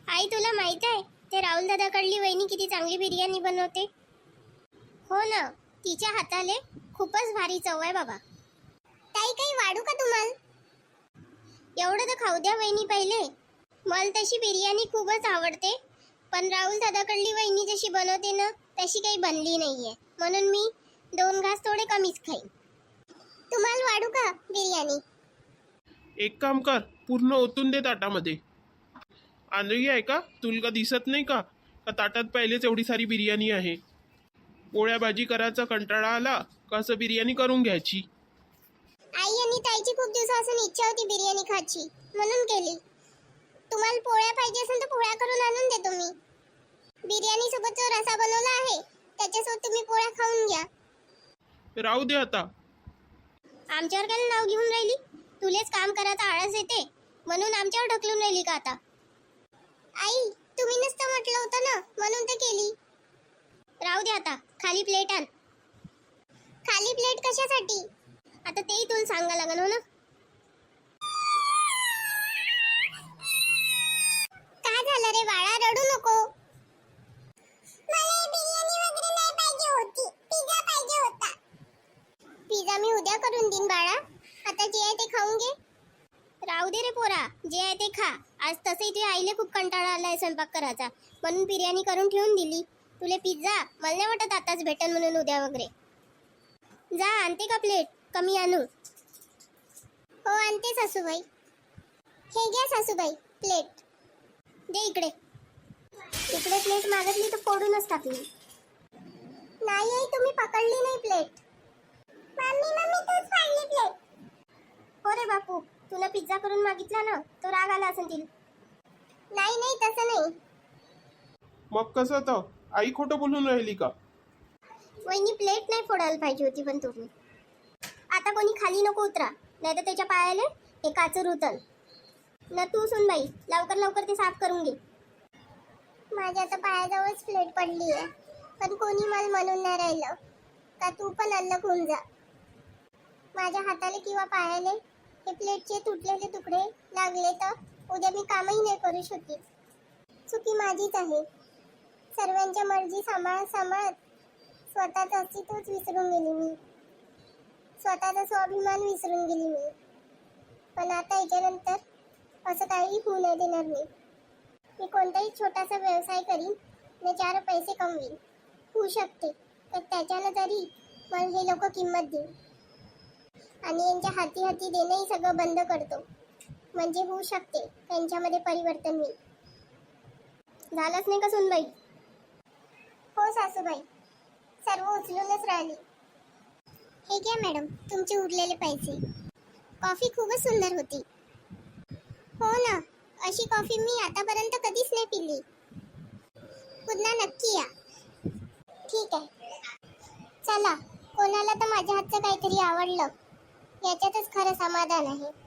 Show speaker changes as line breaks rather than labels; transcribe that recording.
आई तुला माहित आहे ते राहुल दादाकडली वहिनी किती चांगली बिर्याणी बनवते. हो ना, तिच्या हाताले खूपच भारी चव आहे बाबा. ताई काही वाढू का तुम्हाला? एवढं तर खाऊ द्या वहिनी पहिले. मला तशी बिर्याणी खूपच आवडते, पण राहुल दादाकडली वहिनी जशी बनवते ना तशी काही बनली नाहीये, म्हणून मी 2 घास थोडे कमीच खाईन. तुम्हाला वाढू का बिर्याणी?
एक काम कर, पूर्ण ओतून दे ताटामध्ये. आंधळी आहे का? तुला का दिसत नाही का का ताटात पहिलेच एवढी सारी बिर्याणी आहे? पोळ्या भाजी करायचा कंटाळा आला का असं बिर्याणी करून घ्यायची.
आई आणि ताईची खूप दिवसापासून इच्छा होती बिर्याणी खायची, म्हणून केली. तुम्हाला पोळ्या पाहिजे असेल तर पोळ्या करून आणून देतो मी. बिर्याणी सोबत जो रसा बनवला आहे त्याच्यासोबत तुम्ही पोळ्या खाऊन घ्या.
राहू दे आता.
आमच्यावर काय नाव घेऊन राहिली? तुलेच काम करायचा आळस येते म्हणून आमच्यावर ढकलून राहिली का आता? आई तुम्ही नुसतं म्हटलं होतं ना म्हणून तर केली. राहू दे आता, खाली प्लेट आण. खाली प्लेट कशासाठी? आता तेही तुला सांगा लागन हो ना. काय झालं रे बाळा, रडू नको. मला बिर्याणी वगैरे नाही पाहिजे होती, पिझ्झा पाहिजे होता. पिझ्झा मी उद्या करून देईन बाळा, आता जे आहे ते खाऊन घे. राहू दे रे पोरा, जे आहे ते खा. आज तसंही तुझ्या आईले खूप कंटाळा आलाय स्वयंपाक करायचा, म्हणून बिर्याणी करून ठेवून दिली. तुले पिझ्झा मला नाही वाटत आताच भेटन म्हणून उद्या वगैरे. जा आणते का प्लेट? कमी आणू? हो आणते सासूबाई. हे घ्या सासूबाई प्लेट. दे इकडे. इकडे प्लेट मागितली तर फोडूनच टाकली. नाही आई तुम्ही पकडली नाही प्लेट. मम्मी तूच फाडली प्लेट. हो रे बापू, तुला पिझ्झा करून मागितला ना तो राग आला असेल तिला. नाही तसं नाही.
मग कसं तर आई खोटं बोलून राहिली का?
वहिनी प्लेट नाही फोडायला पाहिजे होती पण तुम्ही. आता कोणी खाली नको उतरा, नाही तर त्याच्या पायाले हे काचर उतल ना. तू सुन बाई, लवकर ते साफ करून घे. माझ्या आता पायाजवळच प्लेट पडली आहे, पण कोणी मला म्हणून नाही राहिलं का तू पण अल्लग होऊन जा. माझ्या हाताले किंवा पायाले हे प्लेटचे तुटलेले तुकडे लागले तर उद्या मी कामही नाही करू शकत. चुकी माझीच आहे. सर्वांच्या मर्जी सांभाळत स्वतःच अस्तित्वच विसरून गेली मी. स्वतःचा स्वाभिमान विसरून गेली मी. पण आता याच्यानंतर असं काही होऊ नाही देणार मी. मी कोणताही छोटासा व्यवसाय करीन आणि 4 पैसे कमवीन. होऊ शकते तर त्याच्यानं तरी मला हे लोक किंमत देईल आणि यांच्या हाती देणंही सगळं बंद करतो, म्हणजे होऊ शकते त्यांच्यामध्ये परिवर्तन होईल. झालंच नाही का सुनबाई? हो सासूबाई, सर्व उचलूनच राहिली. हे घ्या मॅडम तुमचे उरलेले पैसे. कॉफी खूपच सुंदर होती. हो ना, अशी कॉफी मी आतापर्यंत कधीच नाही पिली. पुन्हा नक्की या. ठीक आहे. चला, कोणाला तर माझ्या हातचं काहीतरी आवडलं याच्यातच खरं समाधान आहे.